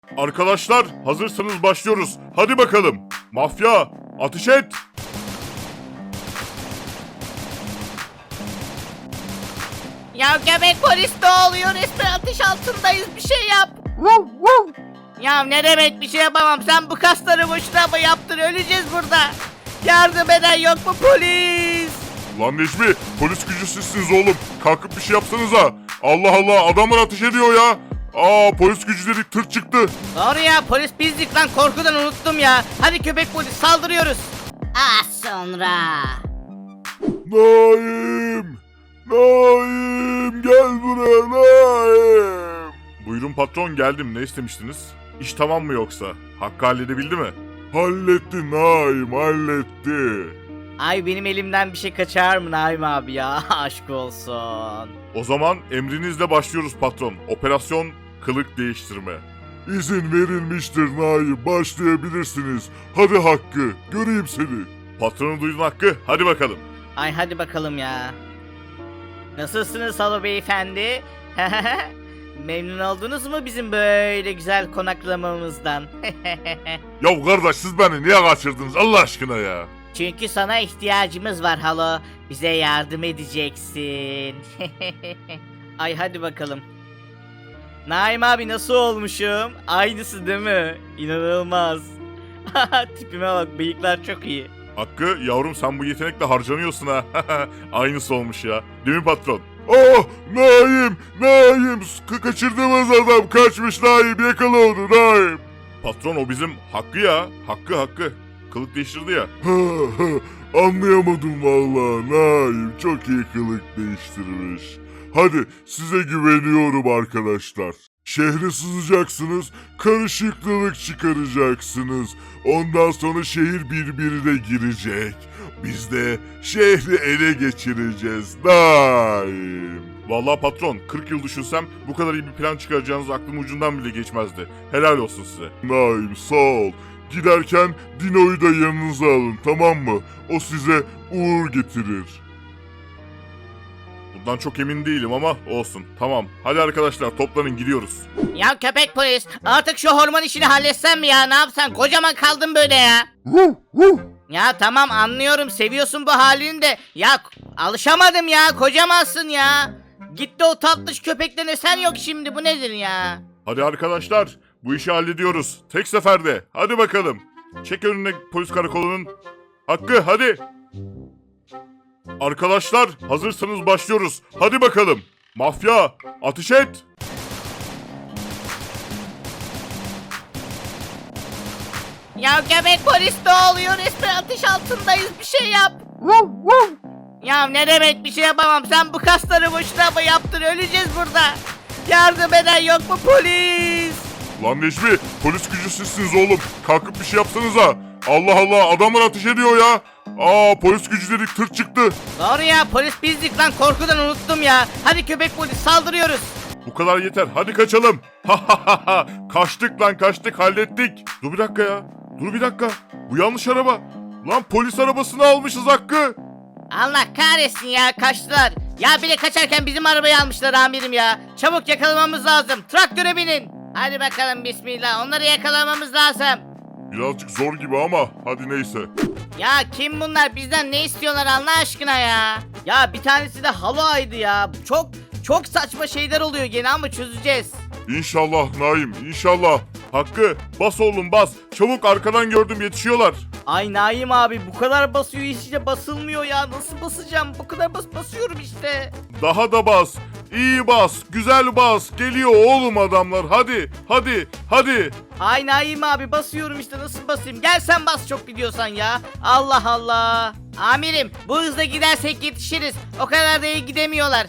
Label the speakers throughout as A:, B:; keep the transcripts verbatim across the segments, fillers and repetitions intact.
A: Arkadaşlar hazırsanız başlıyoruz. Hadi bakalım. Mafya ateş et.
B: Ya göbek polis ne oluyor? Resmen ateş altındayız. Bir şey yap. Ya ne demek bir şey yapamam. Sen bu kasları boşuna mı yaptın? Öleceğiz burada. Yardım eden yok mu polis?
A: Lan Necmi, polis gücü sizsiniz oğlum. Kalkıp bir şey yapsanıza. Allah Allah, adamlar ateş ediyor ya. Aa, polis gücü dedik, tır çıktı.
B: Doğru ya, polis bizdik lan, korkudan unuttum ya. Hadi köpek polis, saldırıyoruz. Az sonra.
A: Naim! Naim! Gel buraya Naim! Buyurun patron, geldim. Ne istemiştiniz? İş tamam mı yoksa? Hakkı halledebildi mi? Halletti Naim, halletti.
B: Ay benim elimden bir şey kaçar mı Naim abi ya? Aşk olsun.
A: O zaman emrinizle başlıyoruz patron. Operasyon kılık değiştirme. İzin verilmiştir Naim. Başlayabilirsiniz. Hadi Hakkı. Göreyim seni. Patronu duydun Hakkı. Hadi bakalım.
B: Ay hadi bakalım ya. Nasılsınız Halo beyefendi? Memnun oldunuz mu bizim böyle güzel konaklamamızdan?
A: Ya kardeş, siz beni niye kaçırdınız Allah aşkına ya?
B: Çünkü sana ihtiyacımız var Halo. Bize yardım edeceksin. Ay hadi bakalım. Naim abi nasıl olmuşum? Aynısı değil mi? İnanılmaz. Tipime bak, bıyıklar çok iyi.
A: Hakkı yavrum, sen bu yetenekle harcanıyorsun ha. Aynısı olmuş ya. Değil mi patron? Oh Naim! Naim! Ka kaçırdığımız adam kaçmış Naim. Yakala onu Naim. Patron, o bizim Hakkı ya. Hakkı Hakkı. Kılık değiştirdi ya. Anlayamadım vallahi Naim. Çok iyi kılık değiştirmiş. Hadi size güveniyorum arkadaşlar. Şehre sızacaksınız, karışıklılık çıkaracaksınız. Ondan sonra şehir birbirine girecek. Biz de şehri ele geçireceğiz Naim. Vallahi patron, kırk yıl düşünsem bu kadar iyi bir plan çıkaracağınız aklım ucundan bile geçmezdi. Helal olsun size. Naim sağ ol. Giderken Dino'yu da yanınıza alın, tamam mı? O size uğur getirir. Bundan çok emin değilim ama olsun. Tamam. Hadi arkadaşlar toplanın, gidiyoruz.
B: Ya köpek polis, artık şu hormon işini halletsen mi ya? Ne yapsan? Kocaman kaldın böyle ya. Ya tamam anlıyorum, seviyorsun bu halini de. Ya alışamadım ya, kocamansın ya. Gitti o tatlış köpekten eser yok şimdi, bu nedir ya?
A: Hadi arkadaşlar, bu işi hallediyoruz. Tek seferde. Hadi bakalım. Çek önüne polis karakolunun. Hakkı hadi. Arkadaşlar hazırsanız başlıyoruz. Hadi bakalım. Mafya ateş et.
B: Ya göbek polis ne oluyor? Resmen ateş altındayız, bir şey yap. Ya ne demek bir şey yapamam. Sen bu kasları boşuna mı yaptın? Öleceğiz burada. Yardım eden yok mu polis?
A: Lan Necmi, polis gücü sizsiniz oğlum. Kalkıp bir şey yapsanıza. Allah Allah, adamlar ateş ediyor ya. Aa, polis gücü dedik, tır çıktı.
B: Doğru ya, polis bizdik lan, korkudan unuttum ya. Hadi köpek polis, saldırıyoruz.
A: Bu kadar yeter, hadi kaçalım. Ha ha ha ha, kaçtık lan kaçtık, hallettik. Dur bir dakika ya, dur bir dakika. Bu yanlış araba. Lan polis arabasını almışız Hakkı.
B: Allah kahretsin ya, kaçtılar. Ya bir de kaçarken bizim arabayı almışlar amirim ya. Çabuk yakalamamız lazım. Traktöre binin. Hadi bakalım bismillah, onları yakalamamız lazım.
A: Birazcık zor gibi ama hadi neyse.
B: Ya kim bunlar, bizden ne istiyorlar Allah aşkına ya? Ya bir tanesi de Halo'ydı ya. Çok çok saçma şeyler oluyor gene ama çözeceğiz.
A: İnşallah Naim, inşallah. Hakkı bas oğlum bas. Çabuk, arkadan gördüm, yetişiyorlar.
B: Ay Naim abi, bu kadar basıyor işte, basılmıyor ya. Nasıl basacağım? Bu kadar bas basıyorum işte.
A: Daha da bas. İyi bas, güzel bas. Geliyor oğlum adamlar. Hadi, hadi, hadi.
B: Ay Naim abi, basıyorum işte, nasıl basayım? Gel sen bas çok gidiyorsan ya. Allah Allah. Amirim, bu hızla gidersek yetişiriz. O kadar da iyi gidemiyorlar.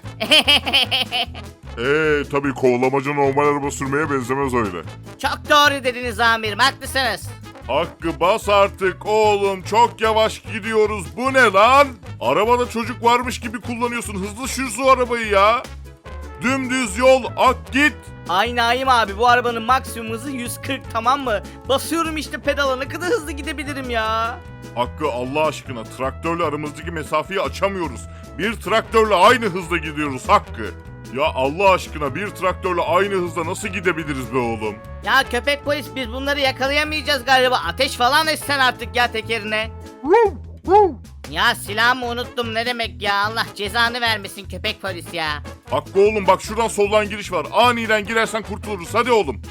A: Eee tabii kovalamaca normal araba sürmeye benzemez öyle.
B: Çok doğru dediniz amirim, haklısınız.
A: Hakkı bas artık oğlum, çok yavaş gidiyoruz. Bu ne lan? Arabada çocuk varmış gibi kullanıyorsun. Hızlı sür şu arabayı ya. Dümdüz yol, ak git.
B: Ay Naim abi, bu arabanın maksimum hızı yüz kırk, tamam mı? Basıyorum işte pedala, ne kadar hızlı gidebilirim ya.
A: Hakkı Allah aşkına, traktörle aramızdaki mesafeyi açamıyoruz. Bir traktörle aynı hızda gidiyoruz Hakkı. Ya Allah aşkına bir traktörle aynı hızda nasıl gidebiliriz be oğlum?
B: Ya köpek polis biz bunları yakalayamayacağız galiba. Ateş falan etsen artık ya tekerine. Ya silahımı unuttum ne demek ya. Allah cezanı vermesin köpek polis ya.
A: Hakkı oğlum bak şuradan soldan giriş var. Aniden girersen kurtuluruz. Hadi oğlum.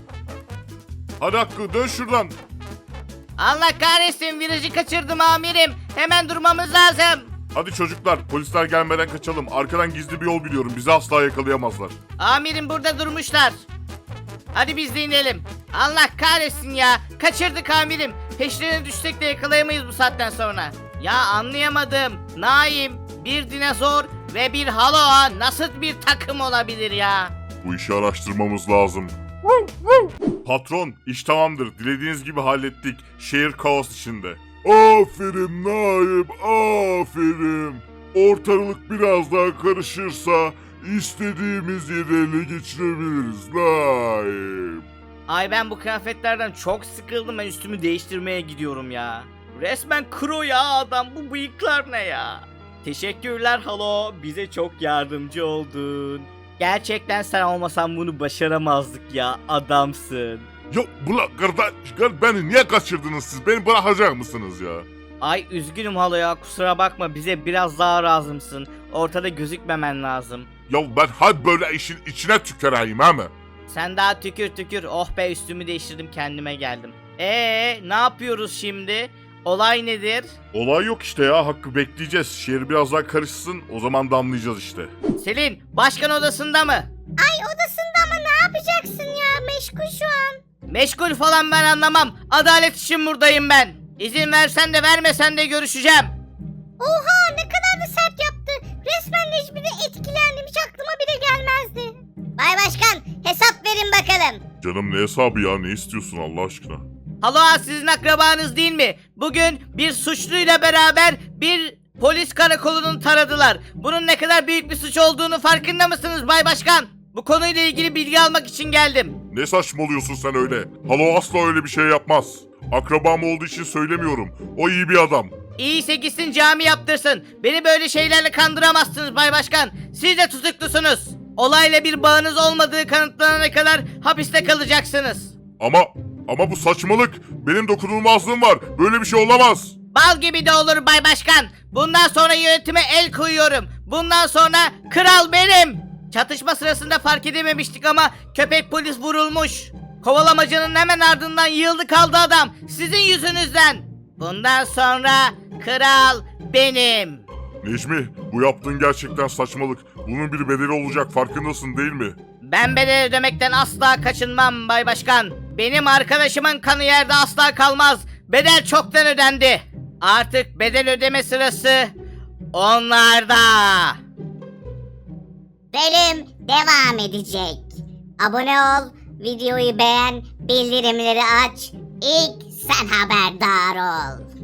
A: Hadi Hakkı dön şuradan.
B: Allah kahretsin virajı kaçırdım amirim. Hemen durmamız lazım.
A: Hadi çocuklar polisler gelmeden kaçalım. Arkadan gizli bir yol biliyorum. Bizi asla yakalayamazlar.
B: Amirim burada durmuşlar. Hadi biz de inelim. Allah kahretsin ya. Kaçırdık amirim. Peşlerine düşsek de yakalayamayız bu saatten sonra. Ya anlayamadım. Naim, bir dinozor ve bir haloa nasıl bir takım olabilir ya?
A: Bu işi araştırmamız lazım. Patron iş tamamdır. Dilediğiniz gibi hallettik. Şehir kaos içinde. Aferin Naim, aferin. Ortalık biraz daha karışırsa istediğimiz yere ele geçirebiliriz Naim.
B: Ay ben bu kıyafetlerden çok sıkıldım. Ben üstümü değiştirmeye gidiyorum ya. Resmen kro ya adam. Bu bıyıklar ne ya? Teşekkürler halo. Bize çok yardımcı oldun. Gerçekten sen olmasan bunu başaramazdık ya. Adamsın.
A: Ya bula kardeş beni niye kaçırdınız siz? Beni bırakacak mısınız ya?
B: Ay üzgünüm halo ya. Kusura bakma. Bize biraz daha lazımsın. Ortada gözükmemen lazım.
A: Ya ben hadi böyle işin içine tüküreyim ha mı?
B: Sen daha tükür tükür. Oh be üstümü değiştirdim kendime geldim. Eee ne yapıyoruz şimdi? Olay nedir?
A: Olay yok işte ya Hakkı bekleyeceğiz. Şehir biraz daha karışsın o zaman damlayacağız işte.
B: Selin başkan odasında mı?
C: Ay odasında ama ne yapacaksın ya? Meşgul şu an.
B: Meşgul falan ben anlamam. Adalet için buradayım ben. İzin versen de vermesen de görüşeceğim.
C: Oha ne kadar da sert yaptı. Resmen Necmi'de etkilendim. Hiç aklıma bile gelmezdi. Bay Başkan hesap verin bakalım.
A: Canım ne hesabı ya ne istiyorsun Allah aşkına?
B: Halo sizin akrabanız değil mi? Bugün bir suçluyla beraber bir polis karakolunu taradılar. Bunun ne kadar büyük bir suç olduğunu farkında mısınız Bay Başkan? Bu konuyla ilgili bilgi almak için geldim.
A: Ne saçmalıyorsun sen öyle? Halo asla öyle bir şey yapmaz. Akrabam olduğu için söylemiyorum. O iyi bir adam.
B: İyiyse gitsin cami yaptırsın. Beni böyle şeylerle kandıramazsınız Bay Başkan. Siz de tutuklusunuz. Olayla bir bağınız olmadığı kanıtlanana kadar hapiste kalacaksınız.
A: Ama ama bu saçmalık. Benim dokunulmazlığım var. Böyle bir şey olamaz.
B: Bal gibi de olur Bay Başkan. Bundan sonra yönetime el koyuyorum. Bundan sonra kral benim. Çatışma sırasında fark edememiştik ama köpek polis vurulmuş. Kovalamacının hemen ardından yığıldı kaldı adam. Sizin yüzünüzden. Bundan sonra kral benim.
A: Necmi bu yaptığın gerçekten saçmalık. Bunun bir bedeli olacak farkındasın değil mi?
B: Ben bedel ödemekten asla kaçınmam Bay Başkan. Benim arkadaşımın kanı yerde asla kalmaz. Bedel çoktan ödendi. Artık bedel ödeme sırası onlarda.
C: Bölüm devam edecek. Abone ol, videoyu beğen, bildirimleri aç. İlk sen haberdar ol.